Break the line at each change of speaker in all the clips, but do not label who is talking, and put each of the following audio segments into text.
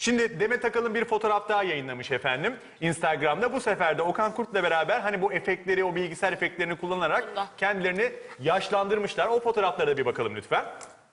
Şimdi Demet Akalın bir fotoğraf daha yayınlamış efendim Instagram'da. Bu sefer de Okan Kurt'la beraber hani bu efektleri, o bilgisayar efektlerini kullanarak kendilerini yaşlandırmışlar. O fotoğraflara da bir bakalım lütfen.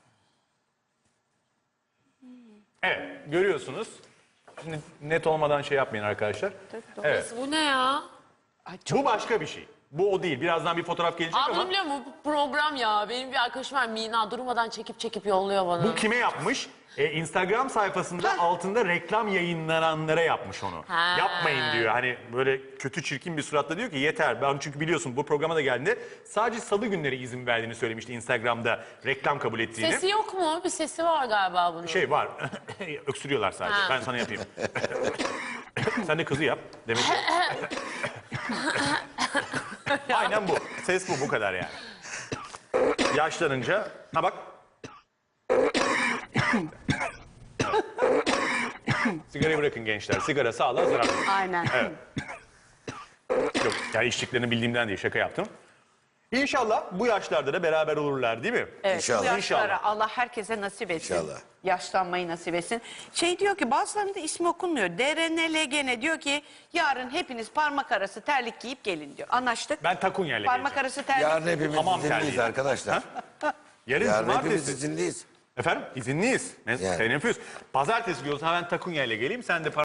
Evet, görüyorsunuz. Şimdi net olmadan şey yapmayın arkadaşlar. Evet.
Bu ne ya?
Bu başka bir şey. Bu o değil. Birazdan bir fotoğraf gelecek
Aa, bunu
ama
biliyor musun? Bu program ya. Benim bir arkadaşım var, Mina. Durmadan çekip yolluyor bana.
bu kime yapmış? Instagram sayfasında altında reklam yayınlananlara yapmış onu.
Ha.
Yapmayın diyor. Hani böyle kötü çirkin bir suratla diyor ki yeter. Ben çünkü biliyorsun bu programa da geldiğinde sadece salı günleri izin verdiğini söylemişti Instagram'da reklam kabul ettiğini.
Sesi yok mu? Bir sesi var galiba bunun.
Şey var. Öksürüyorlar sadece.
Ha.
Ben sana yapayım. Sen de kızı yap. Demek ki. Aynen bu. Ses bu kadar yani. Yaşlanınca ha bak. Sigarayı bırakın gençler. Sigara sağlığa zararlı.
Aynen.
Evet. Yok yani içtiklerini bildiğimden değil, şaka yaptım. İnşallah bu yaşlarda da beraber olurlar değil mi?
Evet,
İnşallah.
bu yaşlara
İnşallah.
Allah herkese nasip etsin.
İnşallah.
Yaşlanmayı nasip etsin. Şey diyor ki bazılarında ismi okunmuyor. DRNLGN diyor ki yarın hepiniz parmak arası terlik giyip gelin diyor. Anlaştık.
Ben Takunya'yla
Parmak
geleceğim.
arası terlik.
Yarın hepimiz
Hamam
izinliyiz
terliği.
arkadaşlar.
Yarın
Yarın hepimiz
cumartesi.
izinliyiz.
Efendim izinliyiz.
Yani.
Sen yapıyorsun. Pazartesi diyorsan ben Takunya'yla geleyim. Sen de